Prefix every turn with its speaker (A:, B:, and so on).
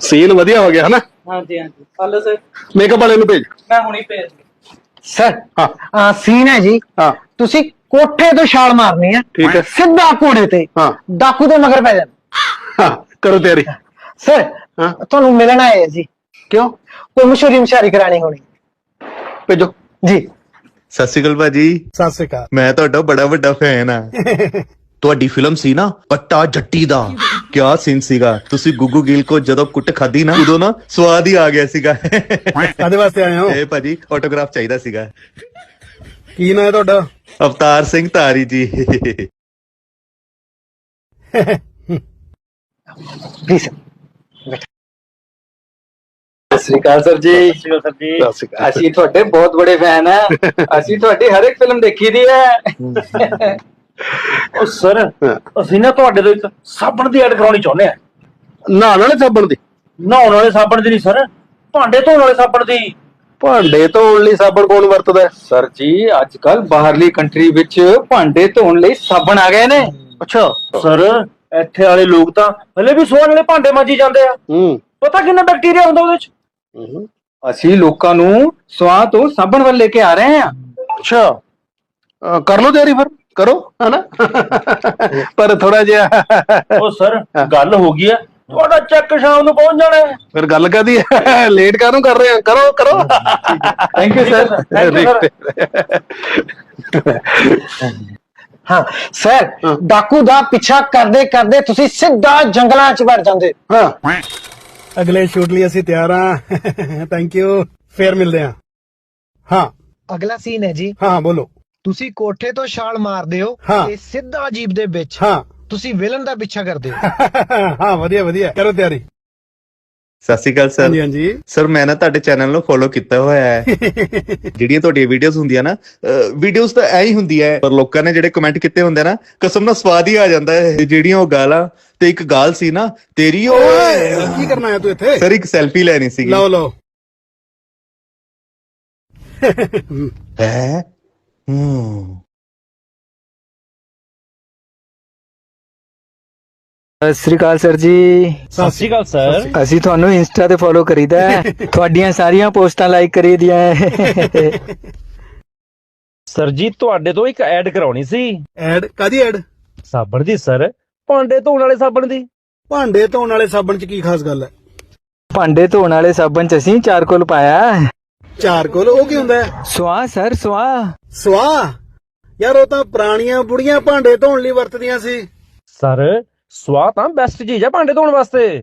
A: Scene ਵਧੀਆ ਹੋ ਗਿਆ ਹਨਾ।
B: ਹਾਂਜੀ ਹਾਂਜੀ ਹਲੋ ਸਰ
A: ਮੇਕਅਪ ਵਾਲੇ ਨੂੰ ਭੇਜ।
B: ਮੈਂ ਹੁਣੀ ਭੇਜ
C: ਸਰ
A: ਹਾਂ
C: ਸੀਨ ਹੈ ਜੀ,
A: ਹਾਂ
C: ਤੁਸੀਂ ਕੋਠੇ ਤੋਂ ਛਾਲ ਮਾਰਨੀ ਹੈ,
A: ਠੀਕ ਹੈ।
C: ਸਿੱਧਾ ਘੋੜੇ ਤੇ
A: ਹਾਂ
C: ਡਾਕੂ ਦੇ ਮਗਰ ਪੈ ਜਾਣਾ।
A: ਹਾਂ ਕਰੋ ਤਿਆਰੀ।
C: ਸਰ
A: ਹਾਂ
C: ਤੁਹਾਨੂੰ ਮਿਲਣ ਆਏ ਹੈ ਜੀ,
A: ਕਿਉਂ?
C: ਕੋਈ ਮਸ਼ਹੂਰੀ ਮਸ਼ਾਰੀ ਕਰਾਣੀ ਹੋਣੀ
A: ਭੇਜੋ।
C: ਜੀ।
D: ਸਤਿ ਸ਼੍ਰੀ ਅਕਾਲ ਭਾਜੀ।
E: ਸਤਿ ਸ੍ਰੀ ਅਕਾਲ।
D: ਮੈਂ ਤੁਹਾਡਾ ਬੜਾ ਵੱਡਾ ਫੈਨ ਆ। ਤੁਹਾਡੀ ਫਿਲਮ ਸੀ ਨਾ ਪੱਟਾ ਜੱਟੀ ਦਾ, ਕਿਆ ਸੀਨ ਸੀਗਾ। ਤੁਸੀਂ ਗੁੱਗੂ ਗਿੱਲ ਕੋ ਜਦੋਂ ਕੁੱਟ ਖਾਦੀ ਨਾ, ਉਦੋਂ ਨਾ ਸਵਾਦ ਹੀ ਆ ਗਿਆ ਸੀਗਾ।
E: ਕਾਹਦੇ ਵਾਸਤੇ ਆਏ ਹੋ?
D: ਇਹ ਭਾਜੀ ਆਟੋਗ੍ਰਾਫ ਚਾਹੀਦਾ ਸੀਗਾ।
E: ਕੀ ਨਾਂ ਹੈ ਤੁਹਾਡਾ?
D: ਅਵਤਾਰ ਸਿੰਘ ਧਾਰੀ ਜੀ।
C: ਪਲੀਜ਼
F: ਸਤਿ ਸ਼੍ਰੀ ਅਕਾਲ ਸਰ ਜੀ।
B: ਸਤਿ ਸ਼੍ਰੀ ਅਕਾਲ ਜੀ।
A: ਸਤਿ ਸ਼੍ਰੀ ਅਕਾਲ।
F: ਅਸੀਂ ਤੁਹਾਡੇ ਬਹੁਤ ਬੜੇ ਫੈਨ ਆ। ਅਸੀਂ ਤੁਹਾਡੀ ਹਰ ਇੱਕ ਫਿਲਮ ਦੇਖੀ ਦੀ ਹੈ।
B: ਉਹ ਸਰ ਅਸੀਂ ਨਾ ਤੁਹਾਡੇ ਤੋਂ ਇੱਕ ਸਾਬਣ ਦੀ ਐਡ ਕਰਾਉਣੀ ਚਾਹੁੰਦੇ ਆ।
A: ਨਹਾਉਣ ਵਾਲੇ ਸਾਬਣ ਦੀ?
B: ਨਹਾਉਣ ਵਾਲੇ ਸਾਬਣ ਦੀ ਨਹੀਂ ਸਰ, ਭਾਂਡੇ ਧੋਣ ਵਾਲੇ ਸਾਬਣ ਦੀ।
A: ਭਾਂਡੇ ਧੋਣ ਲਈ ਸਾਬਣ ਕੌਣ ਵਰਤਦਾ ਹੈ?
F: ਸਰ ਜੀ ਅੱਜ ਕੱਲ ਬਾਹਰਲੀ ਕੰਟਰੀ ਵਿੱਚ ਭਾਂਡੇ ਧੋਣ ਲਈ ਸਾਬਣ ਆ ਗਏ ਨੇ।
B: ਅੱਛਾ ਸਰ, ਇੱਥੇ ਵਾਲੇ ਲੋਕ ਤਾਂ ਹਲੇ ਵੀ ਸੋਹਣ ਵਾਲੇ ਭਾਂਡੇ ਮਾਂਜੀ ਜਾਂਦੇ ਆ। ਪਤਾ ਕਿੰਨਾ ਬੈਕਟੀਰੀਆ ਹੁੰਦਾ ਉਹਦੇ ਚ।
F: ਅਸੀਂ ਲੋਕਾਂ ਨੂੰ ਸਵਾਹ ਤੋਂ ਸਾਬਣ ਵੱਲ ਲੈ ਕੇ ਆ ਰਹੇ ਹਾਂ।
A: ਅੱਛਾ ਕਰ ਲਓ ਤਿਆਰੀ ਫਿਰ, ਕਰੋ ਹਨਾ। ਪਰ ਥੋੜਾ ਜਿਹਾ
B: ਉਹ ਸਰ ਗੱਲ ਹੋ ਗਈ ਆ, ਤੁਹਾਡਾ ਚੈੱਕ ਸ਼ਾਮ ਨੂੰ ਪਹੁੰਚ ਜਾਣਾ ਹੈ।
A: ਫਿਰ ਗੱਲ ਕਾਦੀ ਹੈ, ਲੇਟ ਕਾਹਨੂੰ ਕਰ ਰਹੇ ਆ? ਕਰੋ ਕਰੋ।
F: Thank you sir.
B: Thank you sir.
C: ਹਾਂ ਸਰ, ਡਾਕੂ ਦਾ ਪਿੱਛਾ ਕਰਦੇ ਕਰਦੇ ਤੁਸੀਂ ਸਿੱਧਾ ਜੰਗਲਾਂ 'ਚ ਵੜ ਜਾਂਦੇ।
A: ਹਾਂ
E: ਅਗਲੇ ਸ਼ੂਟ ਲਈ ਅਸੀਂ ਤਿਆਰ ਹਾਂ। Thank you. ਫੇਰ ਮਿਲਦੇ ਹਾਂ। ਹਾਂ
C: ਅਗਲਾ ਸੀਨ ਹੈ ਜੀ,
E: ਹਾਂ ਬੋਲੋ।
C: ਤੁਸੀਂ ਕੋਠੇ ਤੋਂ ਛਾਲ ਮਾਰਦੇ ਹੋ
E: ਹਾਂ।
C: ਤੇ ਸਿੱਧਾ ਜੀਪ ਦੇ ਵਿੱਚ
E: ਹਾਂ
C: ਤੁਸੀਂ ਵਿਲਨ ਦਾ ਪਿੱਛਾ ਕਰਦੇ ਹੋ।
E: ਹਾਂ ਵਧੀਆ ਵਧੀਆ, ਕਰੋ ਤਿਆਰੀ।
D: ਸਤਿ ਸ਼੍ਰੀ ਅਕਾਲ ਸਰ।
E: ਹਾਂਜੀ ਹਾਂਜੀ।
D: ਸਰ ਮੈਂ ਨਾ ਤੁਹਾਡੇ ਚੈਨਲ ਨੂੰ ਫੋਲੋ ਕੀਤਾ ਹੋਇਆ ਹੈ। ਜਿਹੜੀਆਂ ਤੁਹਾਡੀਆਂ ਵੀਡੀਓਜ਼ ਹੁੰਦੀਆਂ ਨਾ, ਵੀਡੀਓਜ਼ ਤਾਂ ਐ ਹੀ ਹੁੰਦੀਆਂ ਹੈ, ਪਰ ਲੋਕਾਂ ਨੇ ਜਿਹੜੇ ਕਮੈਂਟ ਕੀਤੇ ਹੁੰਦੇ ਨਾ, ਕਸਮ ਨਾਲ ਸਵਾਦ ਹੀ ਆ ਜਾਂਦਾ ਹੈ। ਜਿਹੜੀਆਂ ਉਹ ਗਾਲਾਂ, ਤੇ ਇੱਕ ਗਾਲ ਸੀ ਨਾ ਤੇਰੀ, ਓਏ
E: ਕੀ ਕਰਨਾ ਹੈ ਤੂੰ ਇੱਥੇ?
D: ਸਰ ਇੱਕ ਸੈਲਫੀ ਲੈਣੀ ਸੀਗੀ।
E: ਲਓ ਲਓ।
D: ਹੈ
G: ਸਤਿ ਸ੍ਰੀ ਅਕਾਲ ਸਰ ਜੀ।
B: ਸਤਿ ਸ਼੍ਰੀ ਅਕਾਲ ਸਰ।
G: ਅਸੀਂ ਤੁਹਾਨੂੰ ਇੰਸਟਾ ਤੇ ਫੋਲੋ ਕਰੀਦਾ ਹੈ, ਤੁਹਾਡੀਆਂ ਸਾਰੀਆਂ ਪੋਸਟਾਂ ਲਾਈਕ ਕਰੀਦੀਆਂ ਹੈ।
B: ਸਰ ਜੀ ਤੁਹਾਡੇ ਤੋਂ ਇੱਕ ਐਡ ਕਰਾਉਣੀ ਸੀ।
E: ਐਡ ਕਾਦੀ ਐਡ?
B: ਸਾਬਣ ਦੀ ਸਰ, ਭਾਂਡੇ ਧੋਣ ਵਾਲੇ ਸਾਬਣ ਦੀ।
E: ਭਾਂਡੇ ਧੋਣ ਵਾਲੇ ਸਾਬਣ ਚ ਕੀ ਖਾਸ ਗੱਲ ਹੈ?
G: ਭਾਂਡੇ ਧੋਣ ਵਾਲੇ ਸਾਬਣ ਚ ਅਸੀਂ ਚਾਰਕੋਲ ਪਾਇਆ।
E: ਚਾਰਕੋਲ ਉਹ ਕੀ ਹੁੰਦਾ ਹੈ?
G: ਸਵਾਹ ਸਰ, ਸਵਾਹ।
E: ਸਵਾਹ? ਯਾਰ ਉਹ ਤਾਂ ਪੁਰਾਣੀਆਂ ਬੁੜੀਆਂ ਭਾਂਡੇ ਧੋਣ ਲਈ ਵਰਤਦੀਆਂ ਸੀ।
B: ਸਰ ਸਵਾਹ ਤਾਂ ਬੈਸਟ ਚੀਜ਼ ਆ ਭਾਂਡੇ ਧੋਣ ਵਾਸਤੇ।